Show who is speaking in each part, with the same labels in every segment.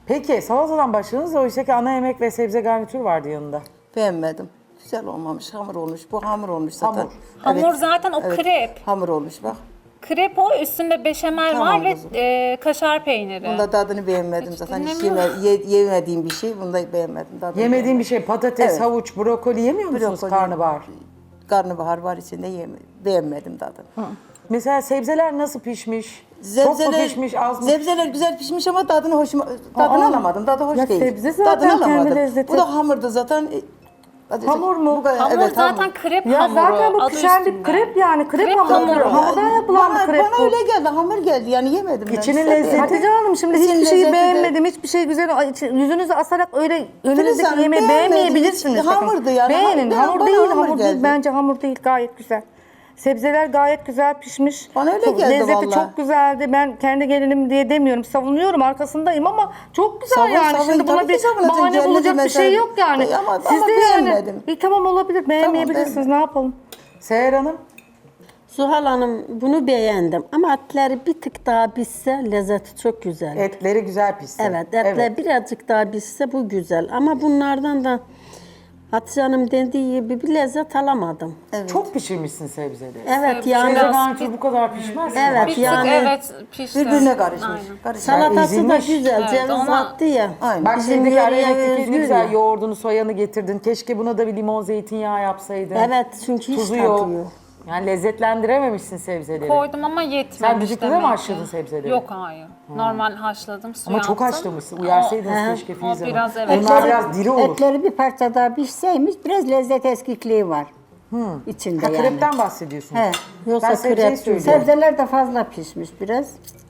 Speaker 1: Peki salatadan başladınız. Oysa ki ana yemek ve sebze garnitür vardı yanında.
Speaker 2: Beğenmedim. Güzel olmamış, hamur olmuş. Bu hamur olmuş zaten.
Speaker 3: Hamur zaten o krep.
Speaker 2: Hamur olmuş bak.
Speaker 3: Krep o, üstünde beşamel
Speaker 2: Tamam
Speaker 3: var ve
Speaker 2: kızım.
Speaker 3: kaşar peyniri.
Speaker 2: Bunda tadını beğenmedim zaten. Hiç
Speaker 3: dinlemiyorum.
Speaker 2: yemediğim bir şey. Bunda beğenmedim. Tadını
Speaker 1: Yemediğim bir şey patates,
Speaker 2: Evet.
Speaker 1: havuç, brokoli yemiyor musunuz
Speaker 2: Brokoli.
Speaker 1: karnabahar?
Speaker 2: Karnabahar var içinde beğenmedim tadını.
Speaker 1: Mesela sebzeler nasıl pişmiş? Çok mu pişmiş, az mı?
Speaker 2: Sebzeler güzel pişmiş ama tadını alamadım. Tadı hoş
Speaker 4: Ya
Speaker 2: değil.
Speaker 4: sebze zaten
Speaker 2: Tadını
Speaker 4: kendi
Speaker 2: alamadım.
Speaker 4: lezzeti.
Speaker 2: Bu da hamurdu zaten.
Speaker 4: Hamur mu?
Speaker 3: Hamur
Speaker 2: Evet,
Speaker 3: zaten
Speaker 2: hamur.
Speaker 3: krep
Speaker 4: Ya
Speaker 3: hamuru.
Speaker 4: zaten bu
Speaker 3: adı
Speaker 4: pişen bir
Speaker 3: üstünde.
Speaker 4: krep yani. Krep,
Speaker 3: Krep
Speaker 4: hamuru.
Speaker 3: hamuru.
Speaker 4: Hamurdan yapılan bir krep
Speaker 2: Bana
Speaker 4: bu.
Speaker 2: öyle geldi, hamur geldi. Yani yemedim ben.
Speaker 1: İçinin
Speaker 2: Size
Speaker 1: lezzeti-
Speaker 4: Hatice Hanım şimdi
Speaker 2: İçin
Speaker 4: hiçbir şeyi
Speaker 2: lezzeti de-
Speaker 4: beğenmedim. Hiçbir şey güzel. Yüzünüzü asarak öyle önünüzdeki
Speaker 2: Hanım,
Speaker 4: yemeği
Speaker 2: beğenmedim.
Speaker 4: beğenmeyebilirsiniz.
Speaker 2: Hiç
Speaker 4: Bakın.
Speaker 2: hamurdu yani.
Speaker 4: Beğenin.
Speaker 2: Bana
Speaker 4: Hamur değil,
Speaker 2: hamur
Speaker 4: hamur değil.
Speaker 2: geldi.
Speaker 4: Bence hamur değil. Gayet güzel. Sebzeler gayet güzel pişmiş.
Speaker 2: Bana öyle
Speaker 4: Çok-
Speaker 2: geldi
Speaker 4: lezzeti
Speaker 2: vallahi.
Speaker 4: çok güzeldi. Ben kendi gelinim diye demiyorum. Savunuyorum, arkasındayım ama çok güzel
Speaker 2: Savun,
Speaker 4: yani.
Speaker 2: savun.
Speaker 4: Şimdi buna
Speaker 2: Tabii ki
Speaker 4: bir
Speaker 2: savunacağım.
Speaker 4: bahane
Speaker 2: Cennet
Speaker 4: bulacak bir
Speaker 2: mesela.
Speaker 4: şey yok yani.
Speaker 2: Ama
Speaker 4: Siz de yani.
Speaker 2: beğenmedim.
Speaker 4: Tamam olabilir. Beğenmeyebilirsiniz.
Speaker 2: beğenmedim.
Speaker 4: Ne yapalım?
Speaker 1: Seher Hanım,
Speaker 5: Zuhal Hanım bunu beğendim ama etleri bir tık daha pişse lezzeti çok güzel.
Speaker 1: etleri güzel pişsin.
Speaker 5: Evet, etler birazcık daha pişse bu güzel ama bunlardan da Hatice Hanım dediği gibi bir lezzet alamadım.
Speaker 1: Çok pişirmişsin sebzeleri.
Speaker 5: Evet
Speaker 1: Sebze
Speaker 5: yani
Speaker 1: garnitür bu kadar pişmez mi?
Speaker 5: Evet,
Speaker 3: Bir tık
Speaker 5: yani-
Speaker 3: evet pişti.
Speaker 2: Birbirine karışmış.
Speaker 3: Aynen.
Speaker 2: Karışmış.
Speaker 5: salatası da
Speaker 1: ezilmiş.
Speaker 5: güzel,
Speaker 3: Evet,
Speaker 5: ceviz
Speaker 3: ona-
Speaker 5: attı ya.
Speaker 2: Aynen.
Speaker 1: Bak
Speaker 5: Bizim
Speaker 1: şimdiki
Speaker 5: yöreye
Speaker 1: arabekteki ne
Speaker 5: özgür
Speaker 1: güzel
Speaker 5: ya.
Speaker 1: yoğurdunu, soyanı getirdin. Keşke buna da bir limon, zeytinyağı yapsaydın.
Speaker 5: Evet çünkü hiç
Speaker 1: Tuzu
Speaker 5: tadı
Speaker 1: yok.
Speaker 5: yok.
Speaker 1: Yani lezzetlendirememişsin sebzeleri.
Speaker 3: Koydum ama yetmemiş.
Speaker 1: Sen düdüklüde mi
Speaker 3: demek ki.
Speaker 1: haşladın sebzeleri?
Speaker 3: Yok hayır. Normal haşladım, suya
Speaker 1: Ama çok
Speaker 3: attım.
Speaker 1: haşlamışsın. Uyarsaydınız
Speaker 5: O-
Speaker 1: keşke
Speaker 3: o
Speaker 1: Filiz Hanım.
Speaker 3: biraz evet.
Speaker 1: Onlar biraz diri olur.
Speaker 6: Etleri bir parça daha pişseymiş biraz lezzet eskikliği var. İçinde
Speaker 1: Ha,
Speaker 6: yani.
Speaker 1: krepten bahsediyorsun.
Speaker 6: He.
Speaker 5: Yoksa
Speaker 1: Ben sebzeyi
Speaker 5: krep
Speaker 1: söylüyorum.
Speaker 6: Sebzeler de fazla pişmiş biraz.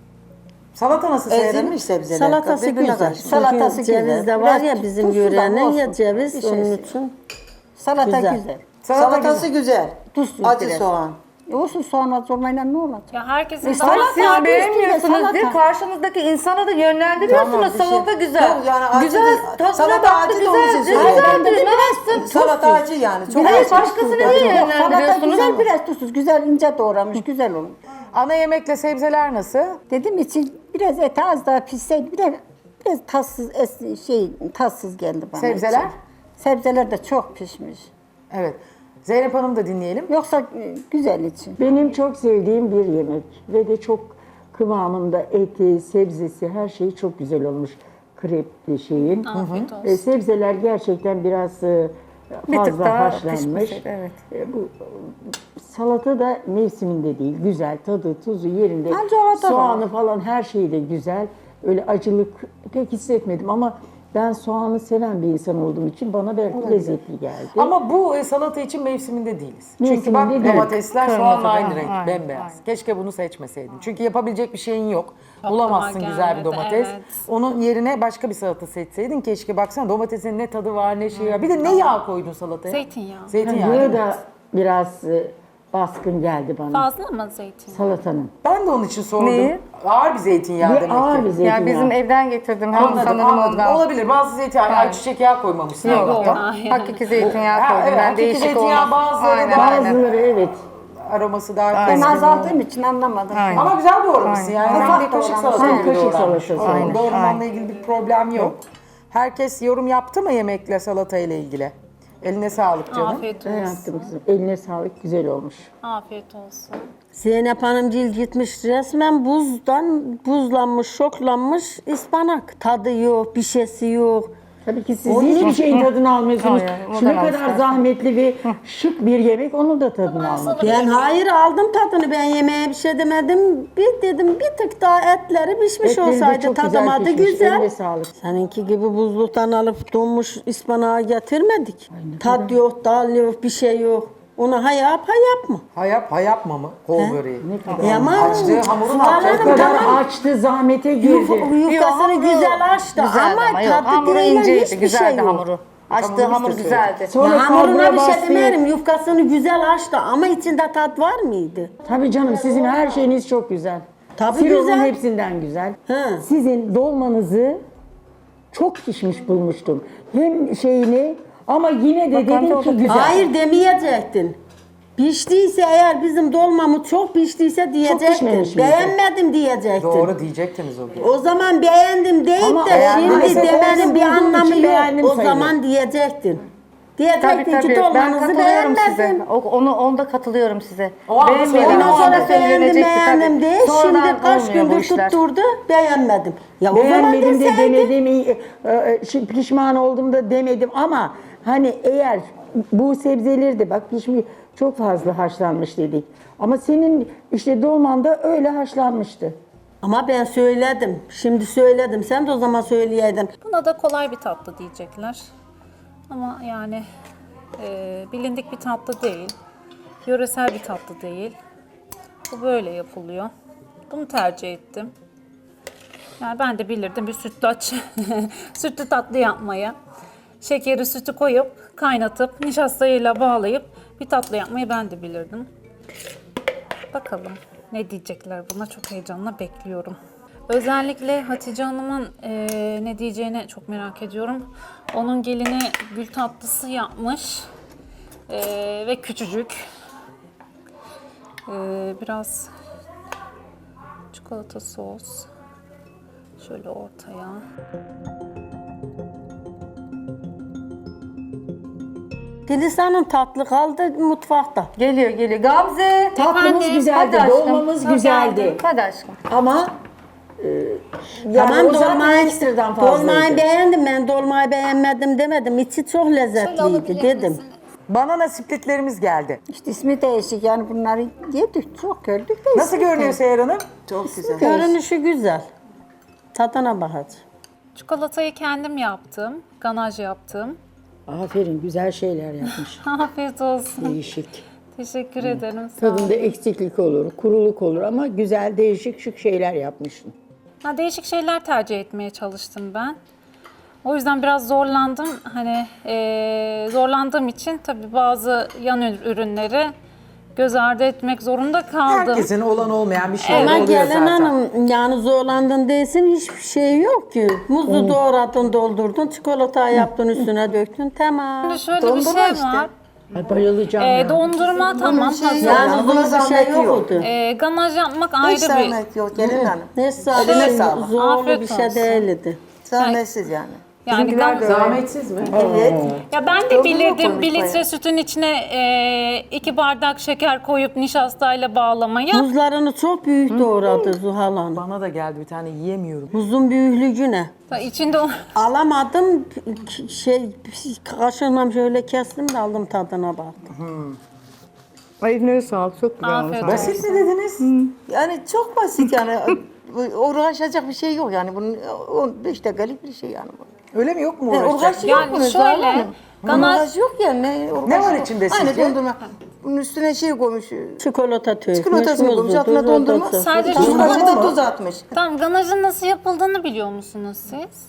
Speaker 1: Salata nasıl Seher Hanım?
Speaker 2: Ezilmiş sebzeler.
Speaker 5: Salatası
Speaker 2: Birbirine
Speaker 5: güzel.
Speaker 2: karışmış.
Speaker 6: Salatası
Speaker 5: Çünkü ceviz
Speaker 6: güzel.
Speaker 5: de var
Speaker 6: Biraz
Speaker 5: ya bizim
Speaker 6: tuzsuz ama
Speaker 5: yörenin ya
Speaker 6: olsun.
Speaker 5: ceviz
Speaker 6: Bir şey
Speaker 5: onun
Speaker 6: şey.
Speaker 5: için.
Speaker 6: Salata
Speaker 5: Güzel.
Speaker 6: güzel.
Speaker 2: Salatası güzel.
Speaker 6: Tuzsuz
Speaker 2: Acı
Speaker 6: biraz.
Speaker 2: soğan.
Speaker 6: Olsun soğan az olmayla ne olacak?
Speaker 3: Ya herkesin
Speaker 4: Siz
Speaker 3: damak tadı-
Speaker 4: beğenmiyorsunuz
Speaker 6: salata.
Speaker 4: diye karşınızdaki insana da yönlendiriyorsunuz.
Speaker 2: Tamam, bir şey-
Speaker 4: Salata güzel.
Speaker 2: Yok, yani acı
Speaker 4: güzel,
Speaker 2: değil.
Speaker 4: tadına
Speaker 2: Salata
Speaker 4: baktı
Speaker 2: acı da onun için
Speaker 4: güzeldi.
Speaker 2: söylüyorum.
Speaker 4: Güzeldi, ne yapsın?
Speaker 2: Salata acı yani. Çok
Speaker 4: Evet,
Speaker 2: acı.
Speaker 4: başkasını niye
Speaker 6: Yok, salata
Speaker 4: yönlendiriyorsunuz?
Speaker 6: güzel biraz tuzsuz. Güzel ince doğramış güzel olmuş.
Speaker 1: Ana yemekle sebzeler nasıl?
Speaker 6: Dedim için biraz eti az daha pişseydi biraz tatsız geldi bana.
Speaker 1: Sebzeler?
Speaker 6: için. Sebzeler de çok pişmiş.
Speaker 1: Evet. Zeynep Hanım da dinleyelim.
Speaker 6: Yoksa güzel için.
Speaker 7: Benim çok sevdiğim bir yemek ve de çok kıvamında eti, sebzesi, her şeyi çok güzel olmuş krepli şeyin.
Speaker 3: Afiyet olsun.
Speaker 7: Sebzeler gerçekten biraz
Speaker 4: Bir tık
Speaker 7: fazla
Speaker 4: daha
Speaker 7: haşlanmış.
Speaker 4: pişmeseydi, evet.
Speaker 7: Bu salata da mevsiminde değil, güzel, tadı, tuzu yerinde.
Speaker 6: Bence o da
Speaker 7: Soğanı
Speaker 6: var.
Speaker 7: falan her şeyi de güzel. Öyle acılık pek hissetmedim ama ben soğanı seven bir insan olduğum için bana belki lezzetli geldi.
Speaker 1: Ama bu salata için mevsiminde değiliz. Çünkü
Speaker 7: Mevsiminde
Speaker 1: bak
Speaker 7: değil.
Speaker 1: domatesler
Speaker 4: Kırmızı
Speaker 1: soğanla
Speaker 4: değil
Speaker 1: aynı
Speaker 4: mi?
Speaker 1: renk,
Speaker 4: Aynen,
Speaker 1: bembeyaz.
Speaker 4: aynen.
Speaker 1: Keşke bunu seçmeseydin. Çünkü yapabilecek bir şeyin yok.
Speaker 3: Aklıma
Speaker 1: Bulamazsın güzel bir
Speaker 3: gelmedi,
Speaker 1: domates.
Speaker 3: evet.
Speaker 1: Onun yerine başka bir salata seçseydin. Keşke baksana domatesin ne tadı var ne şey var. Bir de ne yağ koydun salataya?
Speaker 3: Zeytinyağı.
Speaker 1: Zeytinyağı.
Speaker 7: Yağı da biraz baskın geldi bana
Speaker 3: Fazla mı zeytinyağı?
Speaker 7: salatanın.
Speaker 1: Ben de onun için sordum.
Speaker 4: Neyi?
Speaker 1: Ağır bir zeytinyağı
Speaker 7: Bir
Speaker 1: demek
Speaker 7: ağır
Speaker 1: ki.
Speaker 7: bir zeytinyağı.
Speaker 4: Yani bizim evden getirdim.
Speaker 1: Anladım,
Speaker 4: Sanırım
Speaker 1: anladım.
Speaker 4: ondan.
Speaker 1: Olabilir. Bazı zeytinyağı, ayçiçek yağı koymamışsın.
Speaker 4: Yok,
Speaker 1: Allah'tan.
Speaker 3: Hayır.
Speaker 4: hakiki zeytinyağı
Speaker 1: Ha,
Speaker 4: koydum.
Speaker 1: evet,
Speaker 4: Ben
Speaker 1: hakiki
Speaker 4: değişik
Speaker 1: zeytinyağı
Speaker 4: olmaz.
Speaker 1: bazıları
Speaker 4: Aynen,
Speaker 1: da-
Speaker 4: aynen.
Speaker 7: Bazıları evet.
Speaker 1: Aroması daha
Speaker 6: Ben
Speaker 1: keskin.
Speaker 6: azaldığım için anlamadım.
Speaker 4: Aynen.
Speaker 1: Ama güzel doğramışsın yani.
Speaker 4: Aynen.
Speaker 1: Sen bir kaşık salata
Speaker 7: Aynen.
Speaker 1: gibi
Speaker 7: Kaşık
Speaker 1: doğranmış.
Speaker 7: salatası.
Speaker 1: Aynen. Doğramanla
Speaker 4: Aynen.
Speaker 1: ilgili bir problem yok. Herkes yorum yaptı mı yemekle salata ile ilgili? Eline sağlık canım.
Speaker 3: Afiyet
Speaker 7: Ben
Speaker 3: olsun.
Speaker 7: yaptım kızım. Eline sağlık, güzel olmuş.
Speaker 3: Afiyet olsun.
Speaker 5: Zeynep Hanımcığım gitmiş resmen buzlanmış, şoklanmış ıspanak. Tadı yok, bir şeysi yok.
Speaker 7: Tabii ki siz hiçbir şeyin tadını almıyorsunuz.
Speaker 4: Hayır,
Speaker 7: Şu ne
Speaker 4: o da var
Speaker 7: kadar
Speaker 4: zaten.
Speaker 7: zahmetli ve şık bir yemek, onun da tadını almak.
Speaker 5: Ben hayır aldım tadını, ben yemeğe bir şey demedim. Bir dedim bir tık daha etleri pişmiş
Speaker 7: Etleri de
Speaker 5: olsaydı
Speaker 7: çok güzel
Speaker 5: tadımadı
Speaker 7: pişmiş,
Speaker 5: güzel.
Speaker 7: eline sağlık.
Speaker 5: Seninki gibi buzluktan alıp donmuş ıspanağı getirmedik. Tad yok, dal yok, bir şey yok. Onu ha yap, ha yapma.
Speaker 1: Ha yapma mı? Kol böreği.
Speaker 5: Ama
Speaker 1: Açtığı hamuru ne
Speaker 5: Zuhal
Speaker 1: yapacak?
Speaker 7: O
Speaker 5: Hanım
Speaker 7: kadar
Speaker 5: tamam.
Speaker 7: açtı, zahmete girdi.
Speaker 5: Yufkasını
Speaker 4: hamuru
Speaker 5: güzel açtı
Speaker 4: güzeldi
Speaker 5: ama
Speaker 4: yok,
Speaker 5: tadı
Speaker 4: hamuru
Speaker 5: değil,
Speaker 4: inceydi,
Speaker 5: hiçbir
Speaker 4: güzeldi
Speaker 5: şey yok.
Speaker 4: hamuru. Açtığı hamur güzeldi.
Speaker 7: Sonra
Speaker 5: Ya hamuruna
Speaker 7: kabuğa
Speaker 5: bir şey
Speaker 7: bastı.
Speaker 5: demeyelim, yufkasını güzel açtı ama içinde tat var mıydı?
Speaker 7: Tabii canım, sizin her şeyiniz çok güzel.
Speaker 5: Tabii
Speaker 7: Sirolun
Speaker 5: güzel.
Speaker 7: hepsinden güzel.
Speaker 5: He.
Speaker 7: Sizin dolmanızı çok pişmiş bulmuştum. Hem şeyini ama yine de dedim ki güzel.
Speaker 5: Hayır demeyecektin. Piştiyse eğer bizim dolmamız çok piştiyse diyecektin.
Speaker 7: pişmemiş miydi?
Speaker 5: Beğenmedim diyecektin.
Speaker 1: Doğru diyecektiniz o gün.
Speaker 5: O zaman beğendim deyip
Speaker 7: Ama
Speaker 5: de
Speaker 1: beğenmezse
Speaker 5: şimdi demenin bir
Speaker 7: olduğum
Speaker 5: anlamı
Speaker 7: için
Speaker 5: yok.
Speaker 7: beğendim
Speaker 5: O
Speaker 7: sayılır.
Speaker 5: zaman diyecektin.
Speaker 4: Tabii
Speaker 5: Diyecektin ki
Speaker 4: tabii. Ben
Speaker 5: dolmanızı
Speaker 4: katılıyorum size.
Speaker 5: beğenmedim.
Speaker 4: Onda katılıyorum size.
Speaker 1: O anda söyledim.
Speaker 5: Ondan
Speaker 1: Ondan
Speaker 5: sonra beğendim beğendim
Speaker 4: değil.
Speaker 5: değil. Şimdi kaç gündür tutturdu beğenmedim. Ya o zaman
Speaker 7: Beğenmedim de
Speaker 5: deseydin.
Speaker 7: demedim, pişman oldum da demedim ama hani eğer bu sebzeleri de bak pişmiş çok fazla haşlanmış dedik. Ama senin işte dolmanda öyle haşlanmıştı.
Speaker 5: Ama ben söyledim. Şimdi söyledim. Sen de o zaman söyleyeydin.
Speaker 3: Buna da kolay bir tatlı diyecekler. Ama yani bilindik bir tatlı değil. Yöresel bir tatlı değil. Bu böyle yapılıyor. Bunu tercih ettim. Yani ben de bilirdim bir sütlaç, sütlü tatlı yapmayı. Şekeri, sütü koyup, kaynatıp, nişastayla bağlayıp bir tatlı yapmayı ben de bilirdim. Bakalım ne diyecekler buna, çok heyecanla bekliyorum. Özellikle Hatice Hanım'ın ne diyeceğini çok merak ediyorum. Onun gelini gül tatlısı yapmış ve küçücük. Biraz çikolata sos şöyle ortaya.
Speaker 5: Dilisa'nın tatlı kaldı mutfakta.
Speaker 4: Geliyor. Gamze.
Speaker 7: Tatlımız
Speaker 3: Efendim?
Speaker 7: güzeldi,
Speaker 4: Hadi aşkım.
Speaker 7: dolmamız
Speaker 4: Hadi
Speaker 7: güzeldi.
Speaker 4: geldim. Hadi aşkım.
Speaker 7: Ama yani o zaten ekstradan fazlaydı.
Speaker 5: Dolmayı beğendim ben. Dolmayı beğenmedim demedim. İçi çok lezzetliydi dedim.
Speaker 1: Banana splitlerimiz geldi.
Speaker 6: İşte ismi değişik yani bunları yedik çok gördük de.
Speaker 1: Nasıl
Speaker 6: ismi
Speaker 1: görünüyor Seher Hanım?
Speaker 2: Çok güzel.
Speaker 5: Görünüşü güzel. Tadına bakacağım.
Speaker 3: Çikolatayı kendim yaptım, ganaj yaptım.
Speaker 7: Aferin, güzel şeyler yapmış.
Speaker 3: Afiyet olsun.
Speaker 7: Değişik.
Speaker 3: Teşekkür ederim. Sağ olun.
Speaker 7: Tadında eksiklik olur, kuruluk olur ama güzel, değişik, şık şeyler yapmışsın.
Speaker 3: Değişik şeyler tercih etmeye çalıştım ben. O yüzden biraz zorlandım. Hani zorlandığım için tabii bazı yan ürünleri göz ardı etmek zorunda kaldım.
Speaker 1: Herkesin olan olmayan bir şey
Speaker 5: Ama
Speaker 1: oluyor
Speaker 5: gelin
Speaker 1: zaten.
Speaker 5: hanım yani zorlandın değilsin hiçbir şey yok ki. Muzu doğradın doldurdun çikolata yaptın üstüne döktün tamam.
Speaker 3: Şimdi şöyle bir şey var.
Speaker 7: Ay bayılacağım ya.
Speaker 3: Dondurma tamam hazır.
Speaker 5: Yani
Speaker 2: Buna
Speaker 5: zor bir şey
Speaker 2: zahmet yok.
Speaker 5: yoktu.
Speaker 3: Ganaj yapmak
Speaker 2: Hiç
Speaker 3: ayrı bir...
Speaker 2: zahmet yok gelin hanım.
Speaker 5: Ne
Speaker 2: Eline
Speaker 5: sağlık
Speaker 2: sağlık.
Speaker 5: zorlu
Speaker 3: Afiyet
Speaker 5: bir şey
Speaker 3: olsun.
Speaker 5: değildi.
Speaker 2: Zahmetsiz yani.
Speaker 3: Yani
Speaker 1: Zahmetsiz mi?
Speaker 2: Evet.
Speaker 3: ya ben de
Speaker 2: Dondurma
Speaker 3: bilirdim
Speaker 2: koymuş
Speaker 3: 1 litre
Speaker 2: bayağı.
Speaker 3: sütün içine 2 bardak şeker koyup nişastayla bağlamayı.
Speaker 5: Muzlarını çok büyük doğradı Zuhal Hanım.
Speaker 1: Bana da geldi bir tane yiyemiyorum.
Speaker 5: Muzun büyüklüğü ne?
Speaker 3: İçinde o...
Speaker 5: Alamadım kaşığımla şöyle kestim de aldım tadına baktım.
Speaker 4: Eline sağlık. Çok güzel.
Speaker 3: Afiyet olsun.
Speaker 1: Basit mi dediniz?
Speaker 2: Yani çok basit yani. Uğraşacak bir şey yok yani. Bunun 15 dakikalık bir şey yani.
Speaker 1: Öyle mi, yok mu
Speaker 2: Yani
Speaker 1: uğraşacak?
Speaker 2: uğraşı yok
Speaker 3: Yani
Speaker 2: bunun.
Speaker 3: şöyle,
Speaker 2: Ganaj
Speaker 3: ganaj
Speaker 2: yok yani.
Speaker 1: Ne var içinde
Speaker 2: Aynı
Speaker 1: sizce?
Speaker 2: dondurma. Bunun üstüne şey koymuş.
Speaker 5: Çikolata tökmüş,
Speaker 2: Çikolatasını koymuş.
Speaker 5: muzlu,
Speaker 2: Altına dondurma.
Speaker 5: tuzlu.
Speaker 3: Sadece
Speaker 2: Tuz
Speaker 3: çikolata
Speaker 2: kaşığı da
Speaker 1: mı?
Speaker 2: tuz atmış.
Speaker 3: Tamam, ganajın nasıl yapıldığını biliyor musunuz siz?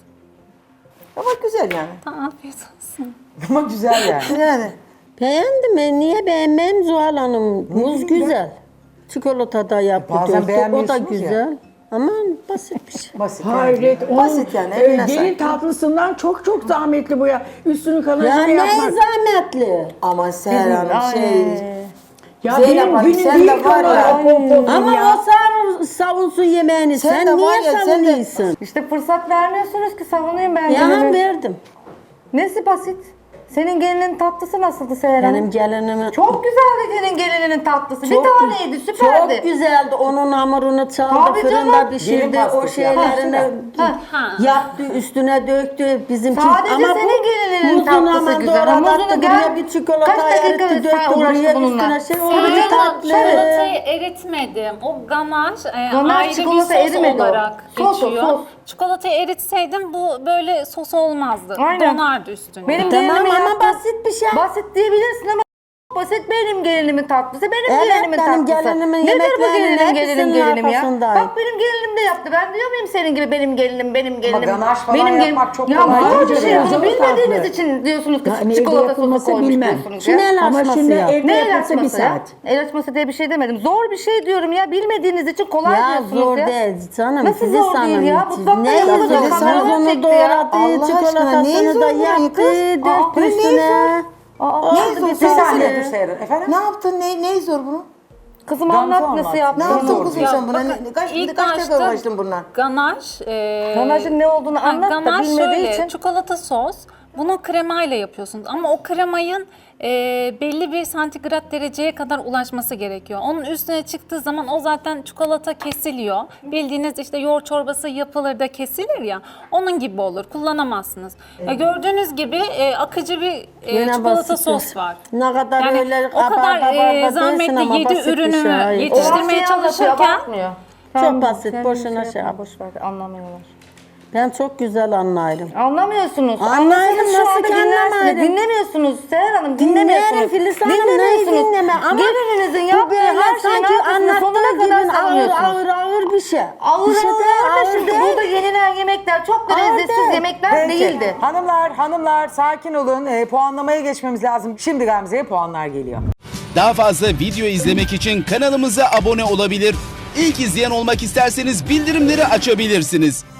Speaker 2: Ama güzel yani.
Speaker 3: Tamam, afiyet olsun.
Speaker 1: Ama güzel yani.
Speaker 2: Yani.
Speaker 5: Beğendim ben. Niye beğenmem Zuhal Hanım? Muz güzel. Çikolata da yaptı.
Speaker 1: Bazen
Speaker 5: döktü. O da
Speaker 1: beğenmiyorsunuz ya.
Speaker 5: güzel. Ama basit bir şey.
Speaker 1: Basit.
Speaker 7: Hayret. onun,
Speaker 2: Basit yani, eline
Speaker 7: gelin
Speaker 2: sağlık.
Speaker 7: tatlısından çok çok zahmetli bu ya. Üstünü
Speaker 5: Ya
Speaker 7: kalanını
Speaker 5: ne
Speaker 7: yapmak.
Speaker 5: zahmetli.
Speaker 2: Ama Seher Hanım şey...
Speaker 7: Ya
Speaker 2: Zeynep
Speaker 7: benim
Speaker 2: Hanım,
Speaker 7: günüm
Speaker 2: sen
Speaker 7: değil
Speaker 2: de var ya.
Speaker 7: kalan popom
Speaker 5: Ama
Speaker 7: ya.
Speaker 5: o savunsun yemeğini.
Speaker 2: Sen
Speaker 5: Sen,
Speaker 2: de var
Speaker 5: niye
Speaker 2: ya, sen de-
Speaker 5: savunuyorsun?
Speaker 4: İşte fırsat vermiyorsunuz ki savunayım ben
Speaker 5: Ya
Speaker 4: gelini.
Speaker 5: verdim.
Speaker 4: Nesi basit? Senin gelinin tatlısı nasıldı Seher Hanım?
Speaker 5: Benim gelinime...
Speaker 4: Çok güzeldi senin gelininin tatlısı. Bir taneydi, süperdi.
Speaker 5: Çok güzeldi. Onun hamurunu çaldı,
Speaker 4: Tabii
Speaker 5: fırında
Speaker 4: canım.
Speaker 5: pişirdi.
Speaker 1: Gelin
Speaker 5: O
Speaker 1: pastası
Speaker 5: şeylerini
Speaker 3: Ha.
Speaker 5: yaptı, üstüne döktü. Bizimki
Speaker 4: Sadece
Speaker 5: ama
Speaker 4: senin gelinin
Speaker 5: muzunu
Speaker 4: tatlısı
Speaker 5: hemen
Speaker 4: güzel.
Speaker 5: doğradı,
Speaker 4: Muzunu
Speaker 5: attı,
Speaker 4: gel-
Speaker 5: buraya bir çikolata
Speaker 4: Kaç dakika
Speaker 5: eritti,
Speaker 4: sen
Speaker 5: döktü
Speaker 4: uğraştın
Speaker 5: buraya
Speaker 4: bununla?
Speaker 5: üstüne şey. O
Speaker 3: Ama
Speaker 5: bir tatlı.
Speaker 3: çikolatayı eritmedim. O ganaj,
Speaker 4: Ganaj
Speaker 3: ayrı bir
Speaker 4: çikolata
Speaker 3: sos
Speaker 4: erimedi o.
Speaker 3: olarak
Speaker 4: Sos o,
Speaker 3: geçiyor.
Speaker 4: sos.
Speaker 3: Çikolatayı eritseydim bu böyle sos olmazdı.
Speaker 4: Aynen.
Speaker 3: Donardı üstüne.
Speaker 4: Benim
Speaker 5: Tamam
Speaker 4: gelinimin
Speaker 5: ama
Speaker 4: yaptığı-
Speaker 5: basit bir şey.
Speaker 4: Basit diyebilirsin ama basit benim gelinimin tatlısı. Benim
Speaker 5: Evet,
Speaker 4: gelinimin
Speaker 5: benim
Speaker 4: tatlısı.
Speaker 5: gelinimin
Speaker 4: Nedir bu
Speaker 5: yemeklerinin
Speaker 4: gelinim
Speaker 5: hepsinin
Speaker 4: gelinim ya?
Speaker 5: arkasındayım.
Speaker 4: Bak benim gelinim de yaptı. Ben diyor muyum senin gibi benim gelinim.
Speaker 1: ganaj falan
Speaker 4: benim
Speaker 1: yapmak çok
Speaker 4: ya
Speaker 1: kolay
Speaker 4: zor
Speaker 1: değil
Speaker 4: bir şey.
Speaker 1: ya.
Speaker 4: Bunu
Speaker 7: Zor
Speaker 4: bilmediğiniz
Speaker 7: tatlı.
Speaker 4: için diyorsunuz ki
Speaker 7: Yani evde
Speaker 4: çikolata sosu
Speaker 7: yapılması
Speaker 4: koymuş
Speaker 7: bilmem.
Speaker 4: diyorsunuz
Speaker 5: Şimdi
Speaker 4: ya.
Speaker 5: el
Speaker 7: Ama
Speaker 5: açması
Speaker 7: şimdi
Speaker 5: yap.
Speaker 7: evde
Speaker 4: Ne el
Speaker 7: yapılsa bir
Speaker 4: açması ya?
Speaker 7: saat.
Speaker 4: El açması diye bir şey demedim. Zor bir şey diyorum ya. Bilmediğiniz için kolay
Speaker 5: Ya
Speaker 4: diyorsunuz
Speaker 5: zor
Speaker 4: ya.
Speaker 5: değil canım.
Speaker 4: Nasıl
Speaker 5: Filiz
Speaker 4: zor değil
Speaker 5: Hanım,
Speaker 4: ya? Mutfakta
Speaker 5: ne
Speaker 4: yapılacak
Speaker 5: yazık?
Speaker 4: kameralar
Speaker 5: Muzunu
Speaker 4: çekti ya.
Speaker 5: doğradı,
Speaker 2: Allah aşkına, neyi
Speaker 5: çikolatasını
Speaker 2: zor
Speaker 5: da
Speaker 2: bunun
Speaker 5: yaptı,
Speaker 2: kız?
Speaker 5: döktü
Speaker 2: Aa, ne
Speaker 5: üstüne.
Speaker 1: Bir saniye dur Seyran. Efendim?
Speaker 2: Ne yaptın? Ne zor bunu?
Speaker 4: Kızım
Speaker 1: Gamze
Speaker 4: anlat
Speaker 1: anlat.
Speaker 4: nasıl
Speaker 2: Ne
Speaker 4: yaptın?
Speaker 2: yaptın
Speaker 1: zor
Speaker 2: kuzum
Speaker 1: diyor.
Speaker 2: sen buna?
Speaker 3: Bakın,
Speaker 2: Kaç
Speaker 3: ilk
Speaker 2: defa
Speaker 3: başta
Speaker 2: uğraştın bundan?
Speaker 3: Ganaj.
Speaker 4: Ganajın ne olduğunu anlat da
Speaker 3: ganaj
Speaker 4: bilmediği
Speaker 3: şöyle,
Speaker 4: için.
Speaker 3: çikolata sos. Bunu kremayla yapıyorsunuz ama o kremayın belli bir santigrat dereceye kadar ulaşması gerekiyor. Onun üstüne çıktığı zaman o zaten çikolata kesiliyor. Bildiğiniz işte yoğurt çorbası yapılır da kesilir ya, onun gibi olur. Kullanamazsınız. Gördüğünüz gibi akıcı bir
Speaker 5: Yine
Speaker 3: çikolata
Speaker 5: basit
Speaker 3: sos
Speaker 5: bir-
Speaker 3: var.
Speaker 5: Ne kadar
Speaker 3: Yani
Speaker 5: öyle
Speaker 3: o kadar
Speaker 5: abartı
Speaker 3: zahmetli
Speaker 5: ama
Speaker 3: 7
Speaker 5: basit bir
Speaker 3: ürünü
Speaker 5: şey, hayır.
Speaker 3: yetiştirmeye
Speaker 4: Olan şeyi anlatıyor,
Speaker 3: çalışırken
Speaker 4: abartmıyor.
Speaker 5: Çok basit,
Speaker 4: sen
Speaker 5: boşuna
Speaker 4: bir
Speaker 5: şey yap.
Speaker 4: boş ver, anlamıyorlar.
Speaker 5: Ben çok güzel anlarım.
Speaker 4: Anlamıyorsunuz.
Speaker 5: Anlarım,
Speaker 4: Anlasanız şu
Speaker 5: nasıl
Speaker 4: anda
Speaker 5: ki
Speaker 4: dinlersiniz.
Speaker 5: anlamayırım?
Speaker 4: Dinlemiyorsunuz Seher Hanım,
Speaker 5: Dinlerim
Speaker 4: dinlemiyorsunuz.
Speaker 5: Filiz Hanım, neyi dinleme ama
Speaker 4: Gelininizin
Speaker 5: bu
Speaker 4: yaptığı
Speaker 5: böyle
Speaker 4: her şeyin
Speaker 5: sanki
Speaker 4: arkasında sonuna
Speaker 5: anlattığı
Speaker 4: kadar
Speaker 5: gibi
Speaker 4: savunuyorsunuz.
Speaker 5: ağır bir şey.
Speaker 4: Ağır
Speaker 5: Bir şey de
Speaker 4: ağır da
Speaker 5: ağır
Speaker 4: şimdi
Speaker 5: değil.
Speaker 4: burada yenilen yemekler çok da
Speaker 5: Ağır
Speaker 4: lezzetsiz
Speaker 5: değil.
Speaker 4: yemekler
Speaker 1: Peki.
Speaker 4: değildi.
Speaker 1: Hanımlar sakin olun. Puanlamaya geçmemiz lazım. Şimdi Gamze'ye puanlar geliyor.
Speaker 8: Daha fazla video izlemek için kanalımıza abone olabilir. İlk izleyen olmak isterseniz bildirimleri açabilirsiniz.